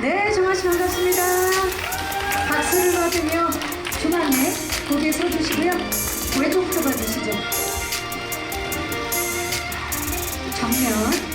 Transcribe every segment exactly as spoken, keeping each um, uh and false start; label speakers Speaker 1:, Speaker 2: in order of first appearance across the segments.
Speaker 1: 네, 정아 씨 반갑습니다. 박수를 받으며 중앙에 고개 서주시고요. 왼쪽부터 봐주시죠. 정면.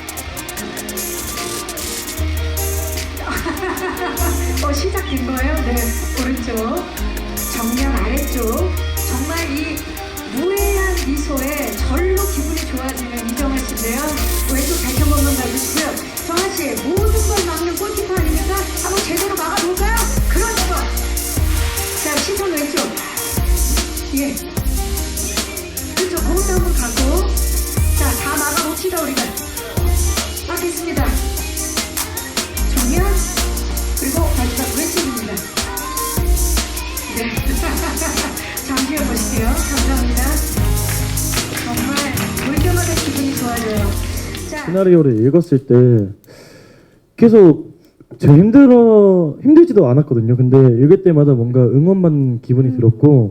Speaker 1: 어, 시작된 거예요? 네, 오른쪽. 정면 아래쪽. 정말 이 무해한 미소에 절로 기분이 좋아지는 이정아 씨인데요. 왼쪽 다시 한 번만 봐주시고요. 정아 씨, 모든 걸 막는 골키퍼 아닙니까? 한번 제대로 막아볼까요? 그렇죠. 자, 시선 왼쪽. 예. 그렇죠. 거기다 한번 가고. 자, 다 막아봅시다, 우리가. 막겠습니다. 정면. 그리고 마지막 왼쪽입니다. 네. 잠시 해보실게요. 감사합니다. 정말 볼 때마다 기분이 좋아져요. 자.
Speaker 2: 시나리오를 읽었을 때 계속 제 힘들어 힘들지도 않았거든요. 근데 읽을 때마다 뭔가 응원받는 기분이 들었고,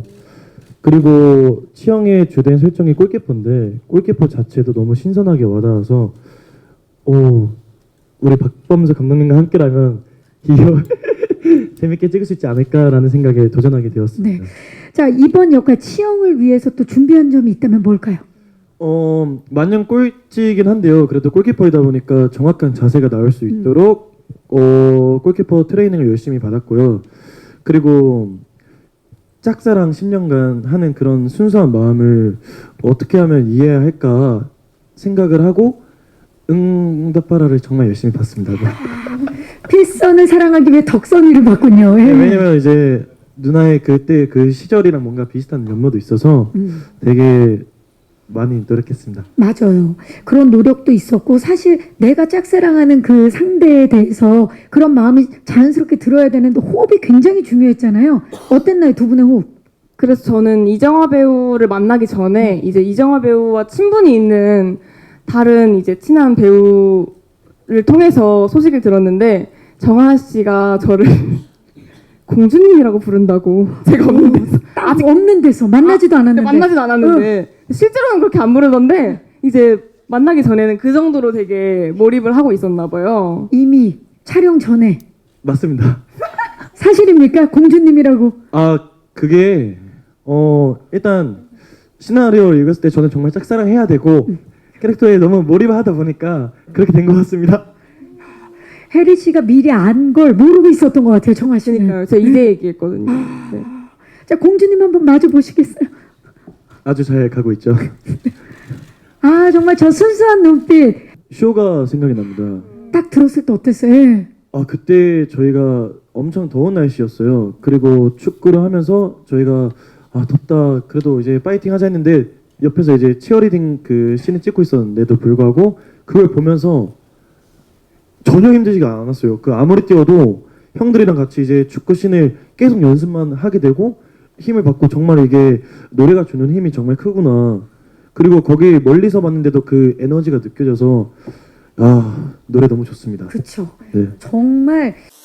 Speaker 2: 그리고 치영의 주된 설정이 골키퍼인데 골키퍼 자체도 너무 신선하게 와닿아서 오, 우리 박범수 감독님과 함께라면 이거 재밌게 찍을 수 있지 않을까라는 생각에 도전하게 되었습니다.
Speaker 1: 네. 자, 이번 역할 치영을 위해서 또 준비한 점이 있다면 뭘까요?
Speaker 2: 어, 만년 꼴찌이긴 한데요. 그래도 골키퍼이다 보니까 정확한 자세가 나올 수 있도록 어, 골키퍼 트레이닝을 열심히 받았고요. 그리고 짝사랑 십 년간 하는 그런 순수한 마음을 어떻게 하면 이해해야 할까 생각을 하고 응답하라를 정말 열심히 봤습니다. 네.
Speaker 1: 필선을 사랑하기 위해 덕선이를 봤군요. 예.
Speaker 2: 네, 왜냐면 이제 누나의 그때 그 시절이랑 뭔가 비슷한 면모도 있어서
Speaker 1: 음.
Speaker 2: 되게 많이 노력했습니다.
Speaker 1: 맞아요. 그런 노력도 있었고, 사실 내가 짝사랑하는 그 상대에 대해서 그런 마음이 자연스럽게 들어야 되는데 호흡이 굉장히 중요했잖아요. 어땠나요, 두 분의 호흡?
Speaker 3: 그래서 저는 이정화 배우를 만나기 전에 이제 이정화 배우와 친분이 있는 다른 이제 친한 배우를 통해서 소식을 들었는데, 정하 씨가 저를 공주님이라고 부른다고. 제가 없는 데서
Speaker 1: 아직 없는 데서 만나지도
Speaker 3: 아,
Speaker 1: 않았는데.
Speaker 3: 만나지도 않았는데 실제로는 그렇게 안 부르던데 이제 만나기 전에는 그 정도로 되게 몰입을 하고 있었나 봐요.
Speaker 1: 이미 촬영 전에.
Speaker 2: 맞습니다.
Speaker 1: 사실입니까? 공주님이라고.
Speaker 2: 아, 그게 어 일단 시나리오를 읽었을 때 저는 정말 짝사랑해야 되고 캐릭터에 너무 몰입하다 보니까 그렇게 된 것 같습니다.
Speaker 1: 혜리 씨가 미리 안 걸 모르고 있었던 것 같아요, 정아 씨는.
Speaker 3: 그러니까요. 제가 이제 얘기했거든요. 네.
Speaker 1: 자, 공주님 한번 마주 보시겠어요?
Speaker 2: 아주 잘 가고 있죠.
Speaker 1: 아, 정말 저 순수한 눈빛.
Speaker 2: 쇼가 생각이 납니다.
Speaker 1: 딱 들었을 때 어땠어요? 예.
Speaker 2: 아, 그때 저희가 엄청 더운 날씨였어요. 그리고 축구를 하면서 저희가 아, 덥다. 그래도 이제 파이팅 하자 했는데 옆에서 이제 치어리딩 그 씬을 찍고 있었는데도 불구하고 그걸 보면서 전혀 힘들지가 않았어요. 그 아무리 뛰어도 형들이랑 같이 이제 축구 씬을 계속 연습만 하게 되고 힘을 받고 정말 이게 노래가 주는 힘이 정말 크구나. 그리고 거기 멀리서 봤는데도 그 에너지가 느껴져서 아, 노래 너무 좋습니다.
Speaker 1: 그쵸.
Speaker 2: 네.
Speaker 1: 정말